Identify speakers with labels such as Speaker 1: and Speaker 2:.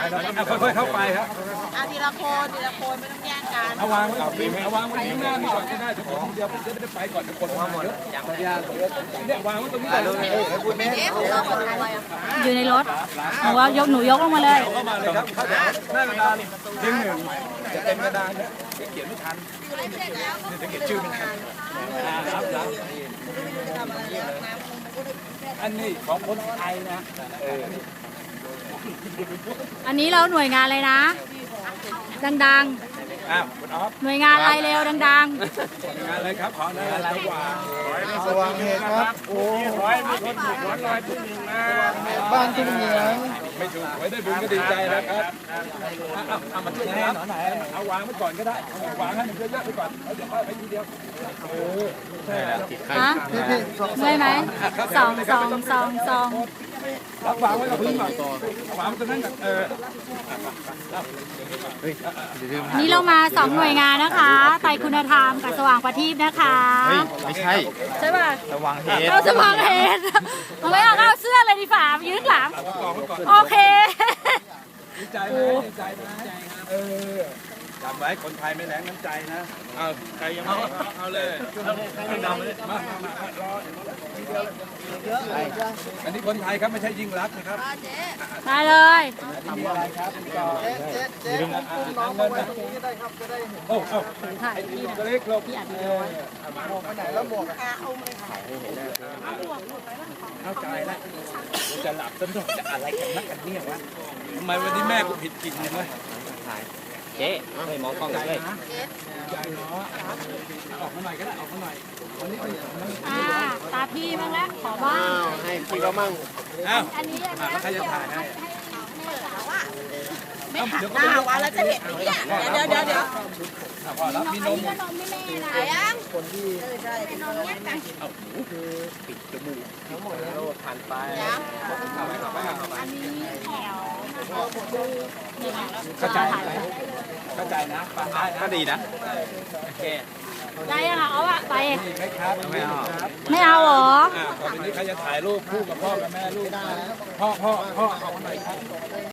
Speaker 1: แล้วค่อยๆเข้าไปครับ
Speaker 2: ทีละคนไม่ต้องแย่งกัน
Speaker 1: เอาวางไว้เอาวางไว้ข้างหน้านี่ก่อนก็ได้ทุกคนเดียวจะได้ไปก่อนทุกคนมาเยอะเนี่ยวางไว้ตรงนี้ก่อน
Speaker 3: อยู่ในรถหนูยกลงมาเลย
Speaker 1: เข้ามาเลยครับหน้ากระดานดึงหนึ่งจะเต็มกระดานเนี่ยเขียนไม่ทันจะเขียนชื่อไม่ทันรับอันนี้ของคนไทยนะ
Speaker 3: อันนี้เราหน่วยงานอะไรนะดัง
Speaker 1: คุณอ๊อฟ
Speaker 3: ๆหน่วยงานอะไรเร็วดัง
Speaker 1: งานอะไรครับขออะไรสว่างเหตุครับโอ้ยมีคนถูกร้อยทุกหนึ่งนะบ้านทุกเหนือไม่ถูกไว้ได้บุญก็ดีใจนะครับเอามาช่วยนะครับเอาวางไว้ก่อนก็ได้วางให้มันเยอะๆไปก่อนแล้วเดี๋ยวค่อยไปทีเดียวใช่แล้ว
Speaker 3: ๆฮะเมื่อยไหมสอง
Speaker 1: รับวางไว้กับพื้นก่อนวางไว้ตรงนั้นกับ
Speaker 3: นี่เรามา2หน่วยงานนะคะไตรคุณธรรมกับสว่างประทีปนะคะ
Speaker 4: ไม่ใช่
Speaker 3: ใช่ป่ะ
Speaker 4: ระวังเหตุ
Speaker 3: เอาสว่างเหตุไม่เอาเสื้อเลยดีฝ่ายืนหลังโอเค
Speaker 1: ดีใจไหมดีใจไหมจำไว้คนไทยไม่แรงน้ำใจนะเอาใครยังไม่เอาเลยมารออันนี้คนไทยครับไม่ใช่ยิ่งรักนะครับ
Speaker 3: มาเลย
Speaker 1: มีอะไรครับลืมน้องมาไว้ตรงนี้ได้ครับจะได้โอ้
Speaker 3: ถ่ายพี่
Speaker 1: ตัวเล็กลง
Speaker 3: พี่อัดวิดีโอไว้
Speaker 1: หมวกไปไหนแล้วหมวกเข้าใจแล้วจะหลับจนจะอะไรกันนักกันเนี่ยวะทำไมวันนี้แม่กูผิดจริงเลยวะ
Speaker 4: เจ๊ไม่มองกล้องเลย
Speaker 1: ใจเนาะออกมาหน่อยก็ได้ออกมาหน่อยวันนี้เป็น
Speaker 3: ตาพี่บ้างแล้วขอบ้าง
Speaker 4: ให้พี่ก็มั่ง
Speaker 1: อ้าว
Speaker 3: อันนี้
Speaker 1: ใครจะถ่ายให้
Speaker 2: ไม่หันหน้าวันแล้วจะเห็นเนี่ยเดี๋ยว
Speaker 1: พอแล้วมีนม
Speaker 3: นมไม่แม่นะ
Speaker 2: ยัง
Speaker 4: คนที่ปิดจมูกทั้งหมดแล้วผ่านไป
Speaker 3: อันนี้แถว
Speaker 1: เข้าใจเข้าใจนะฟังได้นะ
Speaker 4: ก็ดีนะโอเค
Speaker 3: ได้ยังเอาอะไป
Speaker 1: มีไหมครับไม่เอา
Speaker 3: ไม่เอาเหรอ
Speaker 1: ต่อไปนี้ใครจะถ่ายรูปคู่กับพ่อกับแม่ลูกพ่อออกมาหน่อยครับ